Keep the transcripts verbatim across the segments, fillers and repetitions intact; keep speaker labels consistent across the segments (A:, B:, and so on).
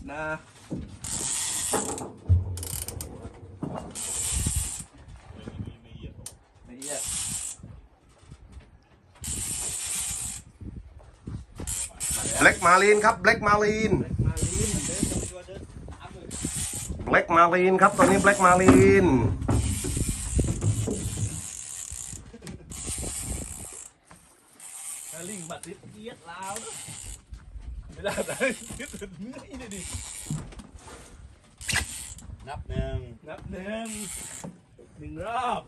A: นะละเอียด
B: แบล็กมารีนครับแบล็กมารีน
A: มาลีนเดินตัวเดิน
B: แบล็กมารีนครับตอนนี้แบล็กมารีน
A: ลิงบัดติดเอียดลาวนะไม่ได้แต่ยึดถึงนี่เลยดินับหนึ่งนับหนึ่งหนึ่งรอบ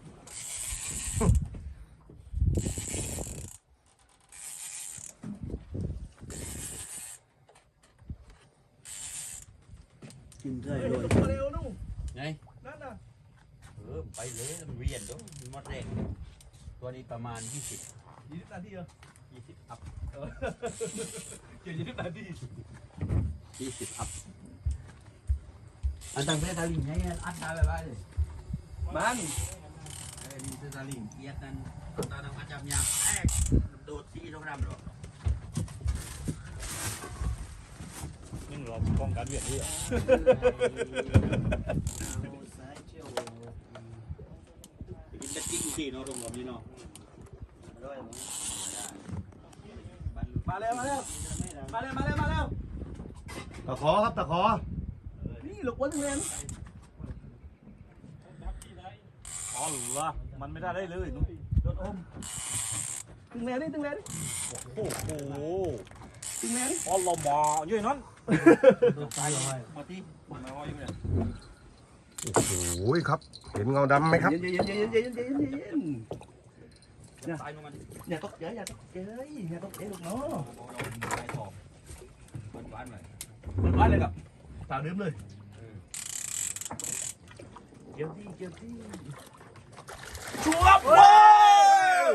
A: กินได้เลยเร็วนู่นไงนั่นน่ะเออไปเลยมันเวียนด้วยมดแรงตัวนี้ประมาณยี่สิบยี่สิบนาทีเหรอยี่สิบอัพเออเกี่ยวยี่สิบนาทียี่สิบอัพอันตั้งแต่ตาลิงไงอัดได้ไปเลยมันเออนี่ตาลิงเกียดนั่นตาดำอาจารย์ยาแอกโดดซีต้องดำหรอนี่เราป้องกันเวียนนี่อ่ะกินกระจิ้งสิเนาะตรงนี้เนาะมาแล้วมาแล้วมาแล้วมาแล้วมาแล้ว
B: ตะขอครับตะขอ
A: นี่หลกวันเงิน
C: อ๋อเหรอมันไม่ได้ได้เลยนุ๊ก
A: โดนอมตึงแรงนี่ตึงแรงนี่
C: โอ้โห
A: ตึงแรงนี่
C: อ๋อเราหมออยู่นั่น
A: ตายเลยมาที่มาว่าอยู่เนี่ย
B: โอ้โหครับเห็นเงาดำไหมครับ
A: เย็นเย็นเย็นเย็นเย็นเย็นเย็น
C: ตายมัน
A: อย่าตกเยอะอย่าตกเยอะอย่าตกเยอะลูกเนาะ
C: มันหวานเลย
A: มันว่าเลยกับสาวดื่มเลยเกี่ยวที่เกี่ยวที่ชัวร์ว้าว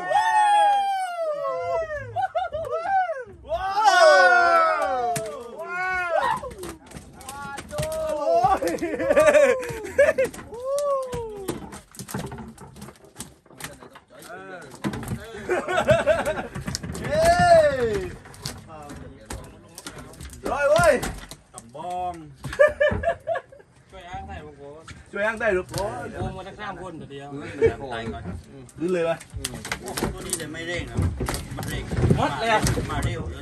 A: ว้าวว้าวร้อยเว้ย
C: ตำบองช่วยอ้างได้พวกผม
A: ช่วยอ้างได้หรือเปล่า
C: โอ้มาทั้งสามคนแต่เดียวตายก่อน
A: ดื้อเลยไหม
C: ตัวนี้แต่ไม่เร่งนะมันเร่ง
A: หมดเลยอ่ะ
C: มาเร็ว